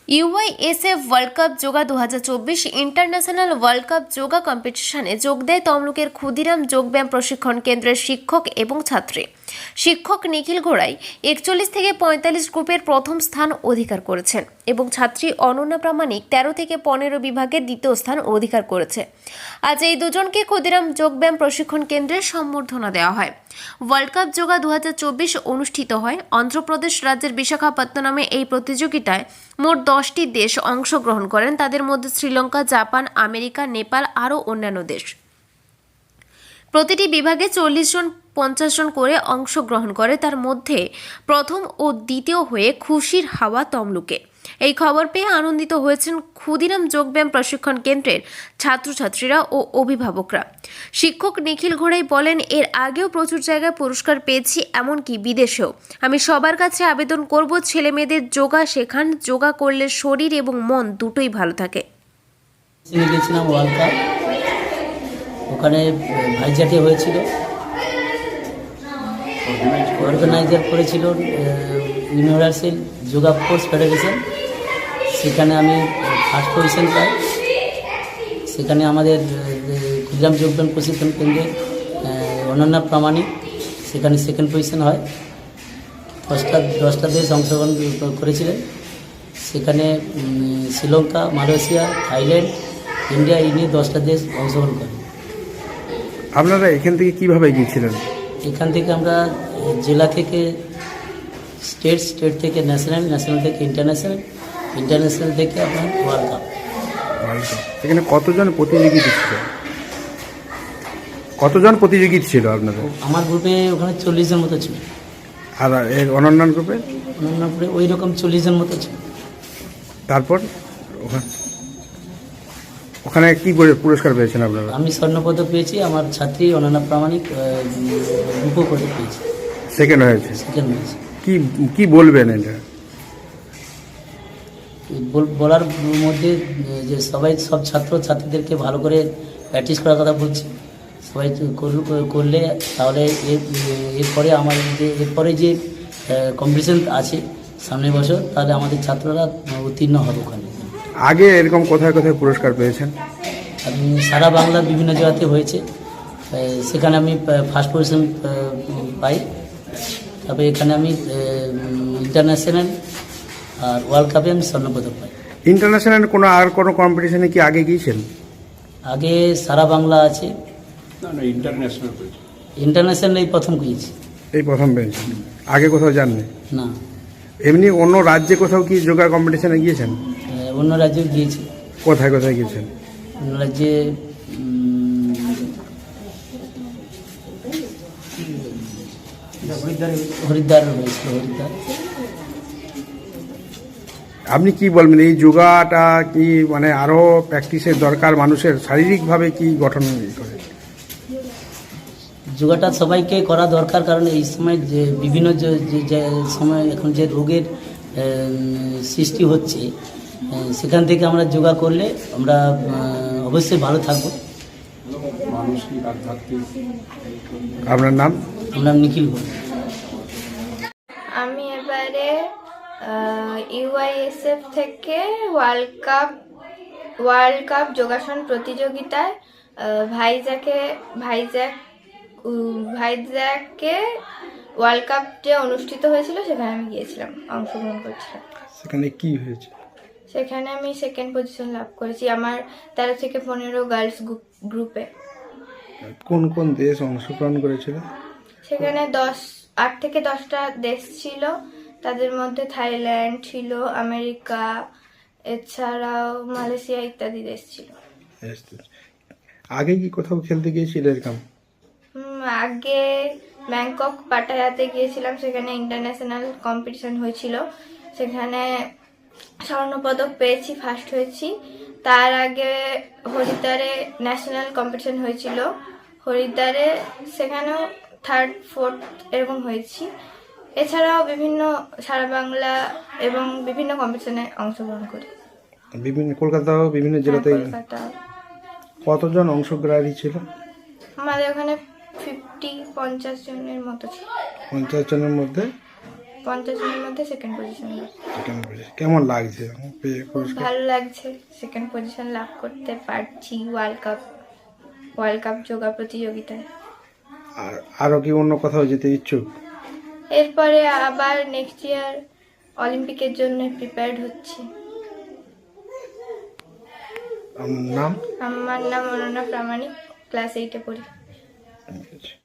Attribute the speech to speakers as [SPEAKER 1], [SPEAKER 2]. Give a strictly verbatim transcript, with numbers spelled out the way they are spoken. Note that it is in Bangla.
[SPEAKER 1] ইউআইএসএফ ওয়ার্ল্ড কাপ যোগা দু হাজার চব্বিশ ইন্টারন্যাশনাল ওয়ার্ল্ড কাপ যোগা কম্পিটিশনে যোগ দেয় তমলুকের ক্ষুদিরাম যোগব্যায়াম প্রশিক্ষণ কেন্দ্রের শিক্ষক এবং ছাত্রী। শিক্ষক নিখিল ঘোড়াই একচল্লিশ থেকে পঁয়তাল্লিশ গ্রুপের প্রথম স্থান অধিকার করেছেন এবং ছাত্রী অনন্যা প্রামাণিক তেরো থেকে পনেরো বিভাগের দ্বিতীয় স্থান অধিকার করেছে। আজ এই দুজনকে ক্ষুদিরাম যোগব্যায়াম প্রশিক্ষণ কেন্দ্রের সম্বর্ধনা দেওয়া হয়। ওয়ার্ল্ড কাপ যোগা দু হাজার চব্বিশ অনুষ্ঠিত হয় অন্ধ্রপ্রদেশ রাজ্যের বিশাখাপত্তনমে। এই প্রতিযোগিতায় মোট দশটি দেশ অংশগ্রহণ করেন, তাদের মধ্যে শ্রীলঙ্কা, জাপান, আমেরিকা, নেপাল আরও অন্যান্য দেশ। প্রতিটি বিভাগে চল্লিশ জন পঞ্চাশ জন করে অংশগ্রহণ করে, তার মধ্যে প্রথম ও দ্বিতীয় হয়ে খুশির হাওয়া তমলুকে। এই খবর পেয়ে আনন্দিত হয়েছেন ক্ষুদিরাম যোগব্যায়াম প্রশিক্ষণ কেন্দ্রের ছাত্রছাত্রীরা ও অভিভাবকরা। শিক্ষক নিখিল ঘোড়াই বলেন, এর আগেও প্রচুর জায়গায় পুরস্কার পেয়েছি, এমনকি বিদেশেও। আমি সবার কাছে আবেদন করব, ছেলে মেয়েদের যোগা শেখান। যোগা করলে শরীর এবং মন দুটোই ভালো থাকে।
[SPEAKER 2] গেছিলাম ওয়ার্ল্ড কাপ, ওখানে ভাইজাকে হয়েছিল, অর্গানাইজার করেছিল ইউনিভার্সাল যোগা ফোর্স ফেডারেশন। সেখানে আমি ফার্স্ট পজিশন পাই। সেখানে আমাদের ক্ষুদিরাম যোগব্যায়াম প্রশিক্ষণ কেন্দ্রের অনন্যা প্রামাণিক সেখানে সেকেন্ড পজিশন হয়। দশটা দশটা দেশ অংশগ্রহণ করেছিলেন। সেখানে শ্রীলঙ্কা, মালয়েশিয়া, থাইল্যান্ড, ইন্ডিয়া এই নিয়ে দশটা দেশ অংশগ্রহণ করে।
[SPEAKER 3] আপনারা এখান থেকে কীভাবে গিয়েছিলেন?
[SPEAKER 2] এখান থেকে আমরা জেলা থেকে স্টেট, স্টেট থেকে ন্যাশনাল, ন্যাশনাল থেকে ইন্টারন্যাশনাল, ইন্টারন্যাশনাল থেকে আপনার ওয়ার্ল্ড কাপ।
[SPEAKER 3] ওয়ার্ল্ড কাপ এখানে কতজন প্রতিযোগী ছিল? কতজন প্রতিযোগী ছিল আপনাদের?
[SPEAKER 2] আমার গ্রুপে ওখানে চল্লিশ জন মতো ছিল।
[SPEAKER 3] আর এর অনন্য গ্রুপে?
[SPEAKER 2] অনন্য গ্রুপে ওই রকম চল্লিশ জন মতো ছিল।
[SPEAKER 3] তারপর ওখানে ওখানে কী করে পুরস্কার পেয়েছেন আপনারা?
[SPEAKER 2] আমি স্বর্ণপদক পেয়েছি, আমার ছাত্রী অনন্যা প্রামাণিক রূপো পদক পেয়েছি,
[SPEAKER 3] সেকেন্ড হয়েছে।
[SPEAKER 2] সেকেন্ড হয়েছে।
[SPEAKER 3] কি কি বলবেন এটা?
[SPEAKER 2] বলার মধ্যে যে সবাই সব ছাত্র ছাত্রীদেরকে ভালো করে প্র্যাকটিস করার কথা বলছি। সবাই করলে তাহলে এরপরে আমার যে এরপরে যে কম্পিটিশন আছে সামনের বছর, তাহলে আমাদের ছাত্ররা উত্তীর্ণ হবে ওখানে।
[SPEAKER 3] আগে এরকম কোথায় কোথায় পুরস্কার পেয়েছেন?
[SPEAKER 2] আমি সারা বাংলার বিভিন্ন জায়গাতে হয়েছে, সেখানে আমি ফার্স্ট পজিশন পাই। তবে এখানে আমি ইন্টারন্যাশনাল আর ওয়ার্ল্ড কাপে আমি স্বর্ণপদক পাই।
[SPEAKER 3] ইন্টারন্যাশনাল কোনো আর কোনো কম্পিটিশনে কি আগে গিয়েছেন?
[SPEAKER 2] আগে সারা বাংলা আছে,
[SPEAKER 4] ইন্টারন্যাশনাল
[SPEAKER 2] ইন্টারন্যাশনাল এই প্রথম গিয়েছি।
[SPEAKER 3] এই প্রথম পেয়েছেন? আগে কোথাও যাননি?
[SPEAKER 2] না।
[SPEAKER 3] এমনি অন্য রাজ্যে কোথাও কি যোগা কম্পিটিশনে গিয়েছেন?
[SPEAKER 2] অন্য রাজ্যেও গিয়েছি।
[SPEAKER 3] কোথায় কোথায় গিয়েছেন?
[SPEAKER 2] অন্য রাজ্যে হরিদ্বার হয়েছিল। হরিদ্বার।
[SPEAKER 3] আপনি কি বলবেন, এই যোগাটা কি মানে আরও প্র্যাকটিসের দরকার? মানুষের শারীরিকভাবে কি গঠন করে?
[SPEAKER 2] যোগাটা সবাইকে করা দরকার, কারণ এই সময় যে বিভিন্ন যে সময় এখন যে রোগের সৃষ্টি হচ্ছে, সেখান থেকে আমরা যোগা করলে আমরা অবশ্যই ভালো থাকবো।
[SPEAKER 4] মানসিক, আধ্যাত্মিক।
[SPEAKER 3] আপনার নাম?
[SPEAKER 2] আমরা নিখিল ঘোষ।
[SPEAKER 5] আমি এবারে ইউআইএসএফ থেকে ওয়ার্ল্ড কাপ ওয়ার্ল্ড কাপ যোগাসন প্রতিযোগিতায় ভাইজ্যাকে ভাইজ্যাক ভাইজ্যাকে ওয়ার্ল্ড কাপ যে অনুষ্ঠিত হয়েছিল সেখানে আমি গিয়েছিলাম, অংশগ্রহণ করছিলাম।
[SPEAKER 3] সেখানে কি হয়েছে?
[SPEAKER 5] সেখানে আমি সেকেন্ড পজিশন লাভ করেছি আমার তেরো থেকে পনেরো গার্লস গ্রুপে।
[SPEAKER 3] কোন কোন দেশ অংশগ্রহণ করেছিল?
[SPEAKER 5] সেখানে দশ আট থেকে দশটা দেশ ছিল, তাদের মধ্যে থাইল্যান্ড ছিল, আমেরিকা, এছাড়াও মালয়েশিয়া ইত্যাদি দেশ ছিল।
[SPEAKER 3] আগে কি কোথাও খেলতে গিয়েছিল এরকম?
[SPEAKER 5] আগে ব্যাংকক পাটায়াতে গিয়েছিলাম, সেখানে ইন্টারন্যাশনাল কম্পিটিশন হয়েছিল, সেখানে স্বর্ণপদক পেয়েছি, ফার্স্ট হয়েছি। তার আগে হরিদ্বারে ন্যাশনাল কম্পিটিশন হয়েছিল, হরিদ্বারে সেখানেও থার্ড ফোর্থ এরকম হয়েছি। এছাড়াও বিভিন্ন সারা বাংলা এবং বিভিন্ন কম্পিটিশনে অংশগ্রহণ করি।
[SPEAKER 3] বিভিন্ন কলকাতাও বিভিন্ন জেলাতে?
[SPEAKER 5] কলকাতা।
[SPEAKER 3] কতজন অংশগ্রহী ছিল
[SPEAKER 5] আমাদের ওখানে ফিফটি পঞ্চাশ জনের মতো ছিল।
[SPEAKER 3] পঞ্চাশ জনের মধ্যে
[SPEAKER 5] পঞ্চাশ জনের মধ্যে সেকেন্ড পজিশন লাভ।
[SPEAKER 3] সেকেন্ড পজিশন কেমন লাগছে পেয়ে
[SPEAKER 5] খুব
[SPEAKER 3] পুরস্কার?
[SPEAKER 5] ভালো লাগছে, সেকেন্ড পজিশন লাভ করতে পারছি world cup world cup yoga প্রতিযোগিতায়।
[SPEAKER 3] আর আরো কি অন্য কোথাও যেতে ইচ্ছুক?
[SPEAKER 5] এরপরে আবার নেক্সট ইয়ার অলিম্পিকের জন্য প্রিপেয়ার্ড হচ্ছি।
[SPEAKER 3] আপনার নাম?
[SPEAKER 5] আমার নাম অনন্যা প্রামাণিক, ক্লাস এইটে পড়ি।